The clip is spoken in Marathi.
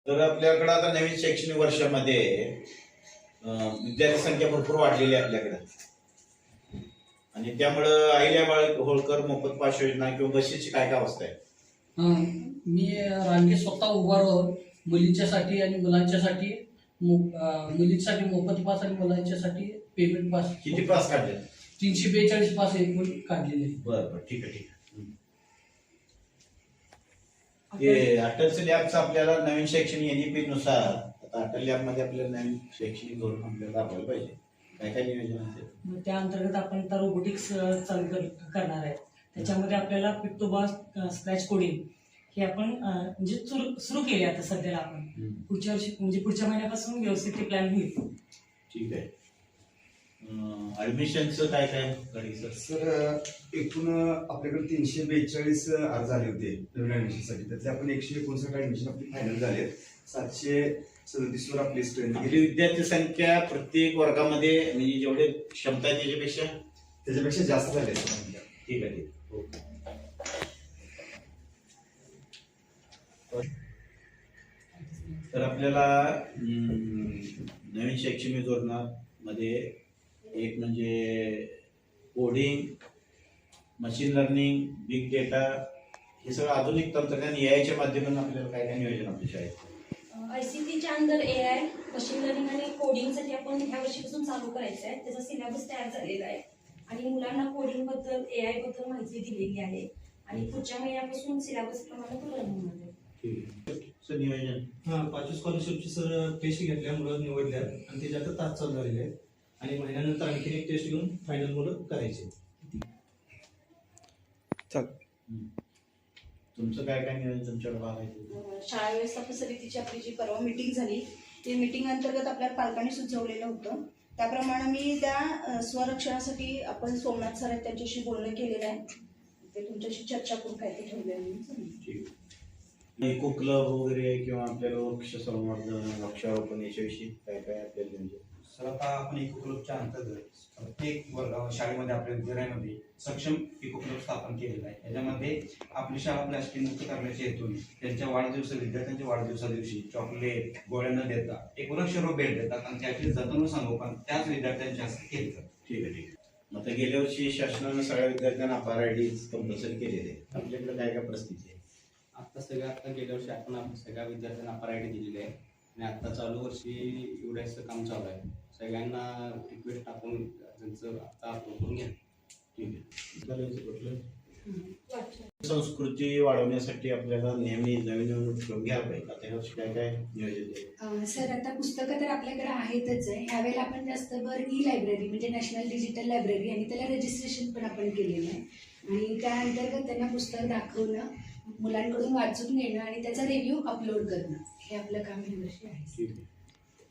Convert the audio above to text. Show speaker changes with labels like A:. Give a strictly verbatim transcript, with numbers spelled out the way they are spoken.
A: तर आपल्याकडे आता नवीन शैक्षणिक वर्षामध्ये विद्यार्थी संख्या भरपूर वाढलेली आहे आपल्याकडे आणि त्यामुळं अहिल्याबाई होळकर मोफत पास योजना किंवा बसेसची काय काय अवस्था आहे?
B: मी रांगे स्वतः उभा राहून मुलींच्यासाठी आणि मुलांच्यासाठी मुलींसाठी मोफत पास आणि मुलांच्यासाठी पेमेंट पास.
A: किती पास काढले?
B: तीनशे बेचाळीस पास एकूण काढलेले.
A: बरं बरं ठीक आहे ठीक आहे. ते अटल लॅबचं आपल्याला नवीन शैक्षणिक एनईपी नुसार आता अटल लॅब मध्ये आपल्याला नवीन शैक्षणिक धोरण आपल्याला राबवायला पाहिजे. काय काय नियोजन असेल?
B: त्या अंतर्गत आपण आता रोबोटिक्स चालू करणार आहे. त्याच्यामध्ये आपल्याला पिक्टोबा स्क्रॅच कोडिंग हे आपण म्हणजे सुरू केले आता सध्याला. आपण पुढच्या वर्षी म्हणजे पुढच्या महिन्यापासून व्यवस्थित ते प्लॅन होईल.
A: ठीक आहे. ऍडमिशनचं काय काय कधी सर?
C: सर एकूण आपल्याकडे तीनशे बेचाळीस अर्ज आले होते नवीन ऍडमिशनसाठी. त्यातले आपण एकशे एकोणसाठ ऍडमिशन आपली फायनल झाले. सातशे सदतीस वर आपली स्ट्रेंथ
A: गेली. विद्यार्थी संख्या प्रत्येक वर्गामध्ये म्हणजे जेवढे क्षमता आहे त्याच्यापेक्षा
C: त्याच्यापेक्षा जास्त झाले.
A: ठीक आहे ठीक. तर आपल्याला नवीन शैक्षणिक धोरणामध्ये एक म्हणजे coding, machine learning, big data हे सगळं आधुनिक तंत्रज्ञान एआयच्या माध्यमातून आपल्याला काय काय नियोजन आपल्या शाळेत?
D: आयसीटीच्या under A I, machine learning आणि कोडिंगसाठी आपण ह्या वर्षीपासून चालू करायचं आहे. त्याचा सिलेबस तयार झालेला आहे आणि मुलांना कोडिंग बद्दल, ए आय बद्दल माहिती दिलेली आहे आणि पुढच्या महिन्यापासून सिलेबस प्रमाणे पूर्ण होणार आहे.
A: नियोजन
E: हा पाचवी स्कॉलरशिपची सर टेस्ट घेतल्या मुलं निवडल्या आणि त्याच्या आता तास चालू झालेले आहेत आणि महिन्यानंतर आणखी एक टेस्ट घेऊन फायनल मुलं करायचे.
A: तुमचं काय काय नियोजन तुमच्याकडे बघायचं?
D: शाळा व्यवस्थापन समितीची आपली जी परवा मीटिंग झाली ते मीटिंग अंतर्गत आपल्या पालकांनी सुचवलेलं होतं. त्याप्रमाणे मी त्या स्वरक्षणासाठी आपण सोमनाथ सर आहेत त्यांच्याशी बोलणं केलेलं आहे. ते तुमच्याशी चर्चा करून काय ते ठेवले.
A: इको क्लब वगैरे किंवा आपल्याला वृक्ष संवर्धन, वृक्षारोपण याच्याविषयी काय काय आपल्याला म्हणजे
F: सर आता आपण इको क्लबच्या अंतर्गत प्रत्येक वर्ग शाळेमध्ये आपल्या विद्यालयामध्ये सक्षम इको क्लब स्थापन केलेला आहे. याच्यामध्ये आपली शाळा प्लास्टिक मुक्त करण्याच्या हेतून त्यांच्या वाढदिवस विद्यार्थ्यांच्या वाढदिवसा दिवशी चॉकलेट गोळ्या न देता एक वृक्षारोपण भेट देतात आणि त्याची जतन संगोपन त्याच विद्यार्थ्यांच्या हस्ते केले जातात.
A: ठीक आहे ठीक आहे. आता गेल्या वर्षी शासनानं सगळ्या विद्यार्थ्यांना अपार आय डी कंपल्सरी केलेले. आपल्याकडे काय काय परिस्थिती आहे?
G: आता सगळ्या आता गेल्या वर्षी आपण सगळ्या विद्यार्थ्यांना अपार आय डी दिलेली आहे आणि आता चालू वर्षी एवढ्याचं काम चालू आहे. सगळ्यांना रिक्वेस्ट टाकून त्यांचं आता अप्रूव्ह करून घ्या.
A: ठीक आहे. संस्कृती वाढवण्यासाठी आपल्याला नेहमी नवीन नवीन उपक्रम घ्यायला पाहिजे. आता यावर्षी काय काय नियोजन आहे?
H: सर आता पुस्तकं तर आपल्याकडे आहेतच आहे. ह्यावेळेला आपण जास्त भर ई लायब्ररी म्हणजे नॅशनल डिजिटल लायब्ररी आणि त्याला रजिस्ट्रेशन पण आपण केलेलं आहे आणि त्या अंतर्गत त्यांना पुस्तक दाखवणं, मुलांकडून वाचून घेणं आणि त्याचा रिव्ह्यू अपलोड करणं हे आपलं काम यावर्षी आहे.